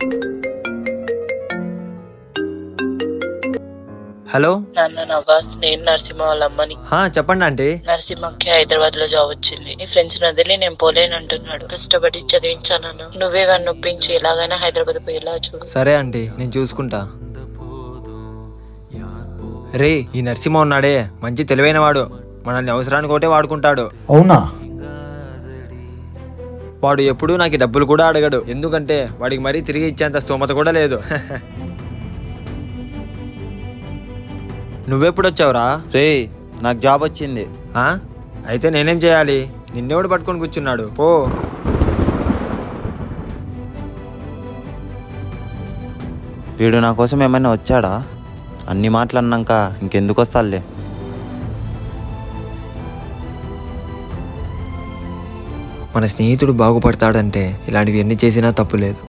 Hello. నాన్న నవాజ్, నేను నరసింహ వాళ్ళ అమ్మని. చెప్పండి ఆంటీ. నరసింహకి హైదరాబాద్ లో జాబ్ వచ్చింది. నీ ఫ్రెండ్స్ వదిలి నేను పోలేనంటున్నాడు. కష్టపడి చదివించాను. నువ్వే వాడిని ఒప్పించి ఎలాగైనా హైదరాబాద్ పోయేలా చూడు. సరే ఆంటీ, నేను చూసుకుంటా. రే, ఈ నరసింహ ఉన్నాడే మంచి తెలివైన వాడు. మనల్ని అవసరానికి ఒకటే వాడుకుంటాడు. అవునా? వాడు ఎప్పుడూ నాకు డబ్బులు కూడా అడగడు, ఎందుకంటే వాడికి మరీ తిరిగి ఇచ్చేంత స్తోమత కూడా లేదు. నువ్వెప్పుడు వచ్చావురా? రే, నాకు జాబ్ వచ్చింది. అయితే నేనేం చేయాలి? నిన్నెవడు పట్టుకొని కూర్చున్నాడు? పో. వీడు నా కోసం ఏమైనా వచ్చాడా? అన్ని మాటలు అన్నాక ఇంకెందుకు వస్తాలే. మన స్నేహితుడు బాగుపడతాడంటే ఇలాంటివి ఎన్ని చేసినా తప్పు లేదు.